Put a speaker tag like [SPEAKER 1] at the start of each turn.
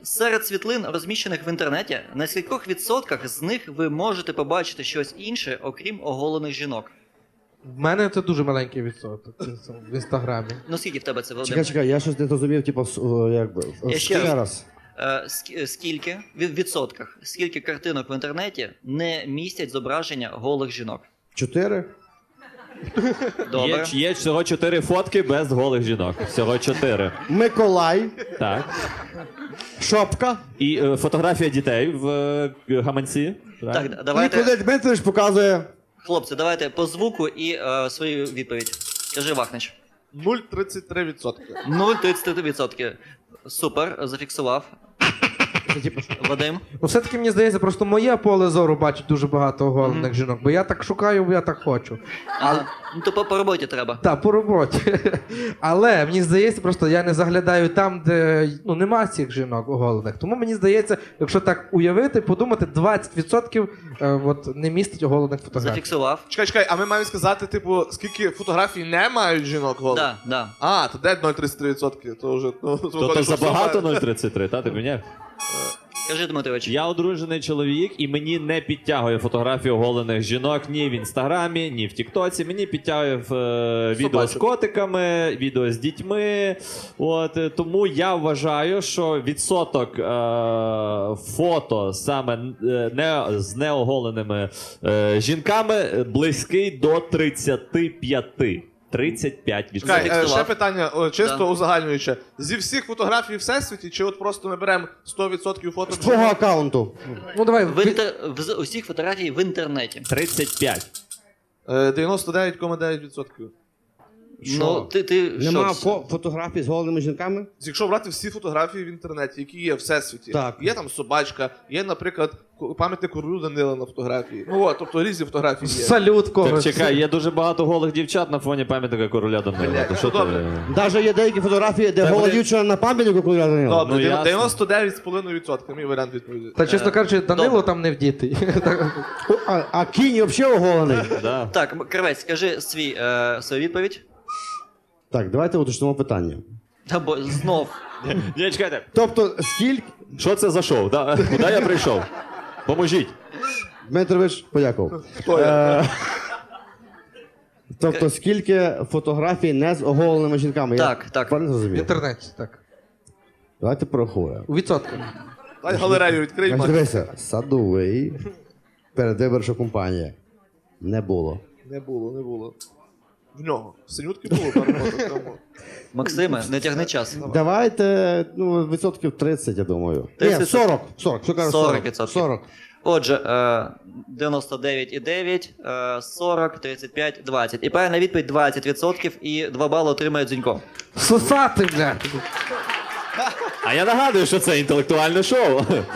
[SPEAKER 1] Серед світлин, розміщених в інтернеті, на скількох відсотках з них ви можете побачити щось інше, окрім оголених жінок?
[SPEAKER 2] В мене це дуже маленький відсоток в інстаграмі.
[SPEAKER 1] Ну скільки в тебе це, Володимир?
[SPEAKER 3] Чекай, я щось не зрозумів, типу, якби.
[SPEAKER 1] Я ще
[SPEAKER 3] Ще
[SPEAKER 1] раз.
[SPEAKER 3] раз.
[SPEAKER 1] Скільки, в відсотках, скільки картинок в інтернеті не містять зображення голих жінок?
[SPEAKER 3] 4?
[SPEAKER 1] Добре.
[SPEAKER 4] Є всього 4 фотки без голих жінок. Всього 4.
[SPEAKER 3] Миколай,
[SPEAKER 4] Так.
[SPEAKER 3] шопка.
[SPEAKER 4] І фотографія дітей в гаманці. Правильно?
[SPEAKER 1] Так,
[SPEAKER 3] І
[SPEAKER 1] давайте,
[SPEAKER 3] Куди Дмитрович показує.
[SPEAKER 1] хлопці, давайте по звуку і свою відповідь. Кажи, Вахнич.
[SPEAKER 5] 0,33%.
[SPEAKER 1] 0,33%. Супер, зафіксував. Вадим?
[SPEAKER 2] Ну, все-таки мені здається, просто моє поле зору бачить дуже багато оголених жінок, бо я так шукаю, бо я так хочу.
[SPEAKER 1] Ага. Ну то по роботі треба.
[SPEAKER 2] Так, по роботі. Але мені здається, просто я не заглядаю там, де нема цих жінок оголених. Тому мені здається, якщо так уявити, подумати, 20% от, не містить оголених фотографій.
[SPEAKER 1] Зафіксував.
[SPEAKER 5] Чекай, а ми маємо сказати, типу, скільки фотографій не мають жінок голих?
[SPEAKER 1] Да, да.
[SPEAKER 5] А, то де 0,33%? То вже...
[SPEAKER 4] То забагато 0,33, та ти мене?
[SPEAKER 1] Кажи, Дмитрович.
[SPEAKER 4] Я одружений чоловік, і мені не підтягує фотографію оголених жінок ні в інстаграмі, ні в Тіктоці. Мені підтягує відео з котиками, відео з дітьми. Тому я вважаю, що відсоток фото саме з неоголеними жінками близький до 35. 35%.
[SPEAKER 5] Чекай,
[SPEAKER 1] Зафіксував.
[SPEAKER 5] ще питання, чисто
[SPEAKER 1] Да.
[SPEAKER 5] узагальнююче. Зі всіх фотографій в всесвіті, чи от просто ми беремо 100% фото?
[SPEAKER 3] З твого аккаунту.
[SPEAKER 2] Ну давай,
[SPEAKER 1] З усіх фотографій в інтернеті.
[SPEAKER 4] 35.
[SPEAKER 5] 99,9%.
[SPEAKER 1] Ну, ти
[SPEAKER 3] Нема
[SPEAKER 1] що?
[SPEAKER 3] фотографій з голеними жінками?
[SPEAKER 5] Якщо брати всі фотографії в інтернеті, які є в всесвіті,
[SPEAKER 3] Так.
[SPEAKER 5] є там собачка, є, наприклад, пам'ятник королю Данила на фотографії. Ну от, тобто різні фотографії є.
[SPEAKER 2] салют
[SPEAKER 4] Так
[SPEAKER 2] когось.
[SPEAKER 4] чекай, є дуже багато голих дівчат на фоні пам'ятника короля Данила.
[SPEAKER 5] Блядь,
[SPEAKER 4] То що
[SPEAKER 5] ну,
[SPEAKER 4] ти-
[SPEAKER 5] добре.
[SPEAKER 3] Навіть є деякі фотографії, де
[SPEAKER 4] Та
[SPEAKER 3] гола
[SPEAKER 4] вони-
[SPEAKER 3] дівчина на пам'ятнику, коли я Данила.
[SPEAKER 5] Добре,
[SPEAKER 4] Ну, ясно.
[SPEAKER 5] 99,5% мій варіант відповіді.
[SPEAKER 2] Та чесно кажучи, Данило
[SPEAKER 1] добре.
[SPEAKER 2] там не вдітий.
[SPEAKER 3] А кінь взагалі оголений.
[SPEAKER 4] Да.
[SPEAKER 1] Так, Кравець, скажи свою відповідь.
[SPEAKER 3] Так, давайте уточнимо питання.
[SPEAKER 1] Та бо знов.
[SPEAKER 4] Ні, чекайте.
[SPEAKER 3] Тобто, скільки...
[SPEAKER 4] Що це за шоу? Да? Куди я прийшов? Поможіть.
[SPEAKER 3] Дмитрович, подякував.
[SPEAKER 5] Хто я?
[SPEAKER 3] Тобто, скільки фотографій не з оголеними жінками?
[SPEAKER 1] Так,
[SPEAKER 3] Я
[SPEAKER 1] так.
[SPEAKER 3] правильно
[SPEAKER 2] В
[SPEAKER 3] зрозумів?
[SPEAKER 2] інтернеті, так.
[SPEAKER 3] Давайте порахуємо.
[SPEAKER 2] У відсотках.
[SPEAKER 5] Дай галерею відкрий,
[SPEAKER 3] Значить,
[SPEAKER 5] Макс.
[SPEAKER 3] дивися, садовий, передвиборча компанія. Не було.
[SPEAKER 5] Не було. В нього. В синютки було пару фото. Тому.
[SPEAKER 1] Максиме, не тягни час.
[SPEAKER 3] Давайте, відсотків 30, я думаю.
[SPEAKER 1] 30?
[SPEAKER 3] Ні, 40. 40. Що кажу, 40?
[SPEAKER 1] 40%.
[SPEAKER 3] 40.
[SPEAKER 1] Отже, 99,9, 40, 35, 20. І правильна відповідь 20%, і 2 бали отримає Дзюнько.
[SPEAKER 2] Сосати, блядь!
[SPEAKER 4] А я нагадую, що це інтелектуальне шоу.